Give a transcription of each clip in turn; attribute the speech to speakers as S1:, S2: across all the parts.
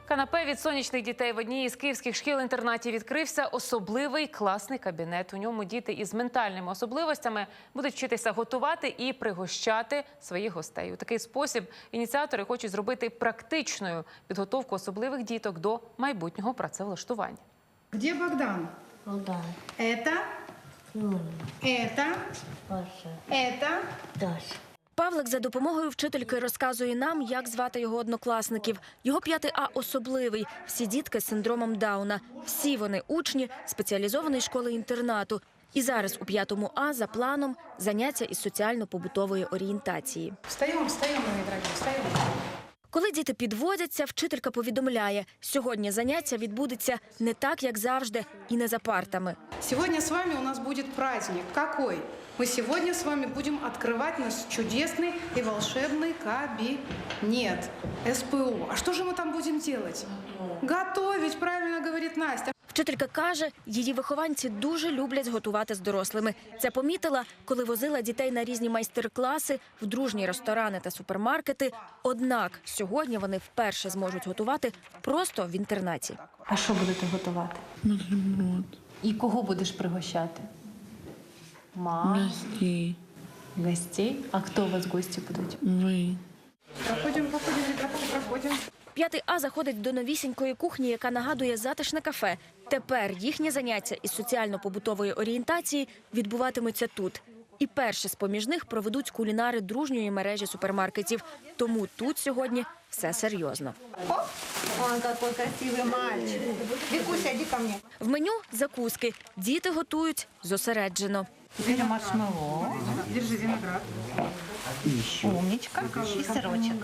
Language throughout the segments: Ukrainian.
S1: Канапе від сонячних дітей в одній із київських шкіл-інтернатів відкрився особливий класний кабінет. У ньому діти із ментальними особливостями будуть вчитися готувати і пригощати своїх гостей. У такий спосіб ініціатори хочуть зробити практичною підготовку особливих діток до майбутнього працевлаштування.
S2: Где Богдан?
S3: Богдан.
S2: Это? Это?
S3: Паша.
S2: Это?
S3: Даша.
S4: Павлик за допомогою вчительки розказує нам, як звати його однокласників. Його 5 А особливий. Всі дітки з синдромом Дауна. Всі вони учні спеціалізованої школи-інтернату. І зараз у 5 А за планом заняття із соціально-побутової орієнтації.
S2: Встаем, мои дорогие, встаем.
S4: Коли діти підводяться, вчителька повідомляє, сьогодні заняття відбудеться не так, як завжди, і не за партами.
S2: Сегодня с вами у нас будет праздник. Какой? Мы сегодня с вами будем открывать наш чудесный и волшебный кабинет СПО. А что же мы там будем делать? Готовить, правильно говорит Настя.
S4: Вчителька каже, її вихованці дуже люблять готувати з дорослими. Це помітила, коли возила дітей на різні майстер-класи, в дружні ресторани та супермаркети. Однак сьогодні вони вперше зможуть готувати просто в інтернаті.
S5: А що будете готувати?
S6: Бутерброд.
S5: І кого будеш пригощати? Мам.
S6: Гостей.
S5: Гостей? А хто у вас гості будуть?
S6: Ви.
S2: Проходим, ребята, проходим.
S4: 5 А заходить до новісінької кухні, яка нагадує затишне кафе. Тепер їхні заняття із соціально-побутової орієнтації відбуватимуться тут. І перше з-поміж них проведуть кулінари дружньої мережі супермаркетів. Тому тут сьогодні все серйозно.
S7: Он какой красивый мальчик. Викуся, иди ко мне.
S4: В меню – закуски. Діти готують зосереджено.
S7: Теперь маршмеллоу.
S2: Держи виноград.
S7: Умничка. И сырочек.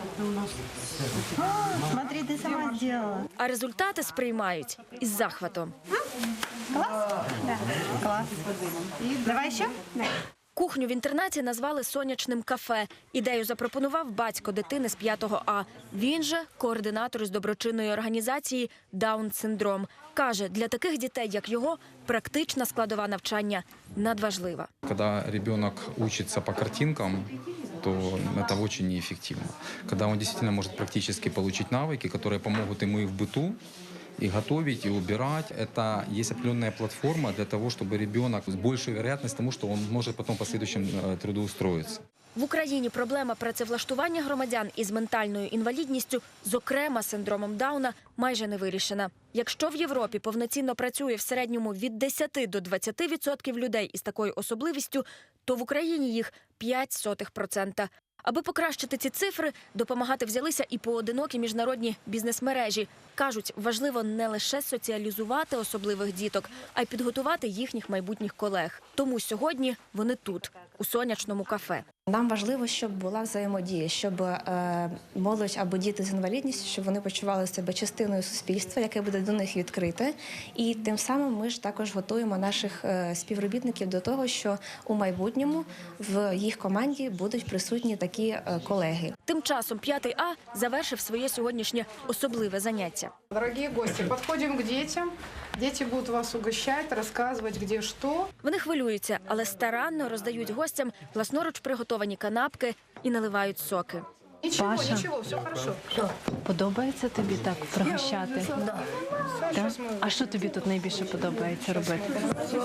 S7: Смотри, ты сама сделала.
S4: А результати сприймають із захватом.
S7: Класс? Да. Класс. Давай еще? Да.
S4: Кухню в інтернаті назвали «Сонячним кафе». Ідею запропонував батько дитини з 5 А. Він же координатор із доброчинної організації «Даун-синдром». Каже, для таких дітей, як його, практична складова навчання надважлива.
S8: Когда ребенок учится по картинкам, то это очень неэффективно. Когда он действительно может практически получить навыки, которые помогут ему и в быту, и готовить, и убирать. Это есть определенная платформа для того, чтобы ребенок с большей вероятностью тому, что он может потом в последующем трудоустроиться.
S4: В Україні проблема працевлаштування громадян із ментальною інвалідністю, зокрема синдромом Дауна, майже не вирішена. Якщо в Європі повноцінно працює в середньому від 10 до 20% людей із такою особливістю, то в Україні їх 0,05%. Аби покращити ці цифри, допомагати взялися і поодинокі міжнародні бізнес-мережі. Кажуть, важливо не лише соціалізувати особливих діток, а й підготувати їхніх майбутніх колег. Тому сьогодні вони тут, у сонячному кафе.
S9: Нам важливо, щоб була взаємодія, щоб молодь або діти з інвалідністю, щоб вони почували себе частиною суспільства, яке буде до них відкрите. І тим самим ми ж також готуємо наших співробітників до того, що у майбутньому в їх команді будуть присутні такі колеги.
S4: Тим часом 5 А завершив своє сьогоднішнє особливе заняття.
S2: Дорогие гости, подходим к детям. Дети будут вас угощать, рассказывать, где что.
S4: Вони хвилюються, але старанно роздають гостям власноруч приготовані канапки і наливають соки.
S2: Ничего,
S5: Паша.
S2: ничего, все хорошо.
S5: Подобається тобі так пригощати?
S2: Сейчас мы...
S5: А що тобі тут найбільше подобається робити?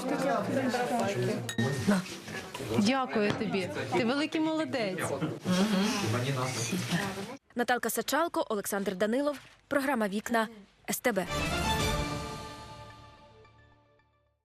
S5: Дякую тобі. Ти великий молодець.
S4: Наталка Сачалко, Олександр Данилов. Програма «Вікна» СТБ.